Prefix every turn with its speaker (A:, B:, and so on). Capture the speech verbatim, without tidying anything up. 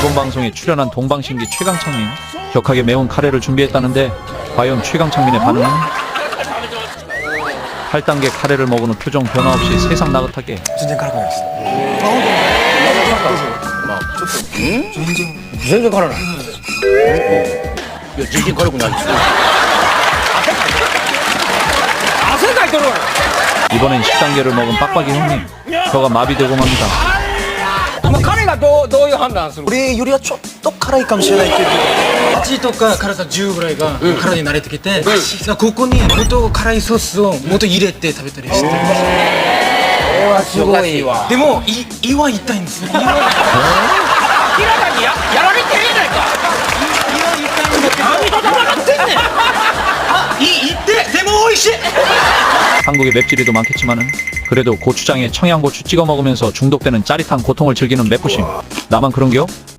A: 이번 방송에 출연한 동방신기 최강창민, 격하게 매운 카레를 준비했다는데 과연 최강창민의 반응은? 팔 단계 카레를 먹은 후 표정 변화 없이 세상 나긋하게.
B: 全然辛くないです。
C: 全然辛ない。いや全然辛くないですよ。汗かいてるわ。
A: 이번엔 십 단계를 먹은 빡빡이 형님, 혀가 마비되고 맙니다.
C: 彼がどうどういう判断する？
B: 俺よりはちょっと辛いかもしれないけど。
D: はちとか辛さじゅうぐらいが体に慣れてきて、ここにもっと辛いソースをもっと入れて食べたりしてる。
C: すごいわ。
D: でもい胃は痛いんですよ。胃は
C: 明らかにややられてるやないか。
D: 胃は痛いんだけど。
C: 何と戦ってんねん。
D: あ、胃痛ってでも美味しい。
A: 한국에 맵찔이도 많겠지만은 그래도 고추장에 청양고추 찍어 먹으면서 중독되는 짜릿한 고통을 즐기는 맵부심. 나만 그런겨?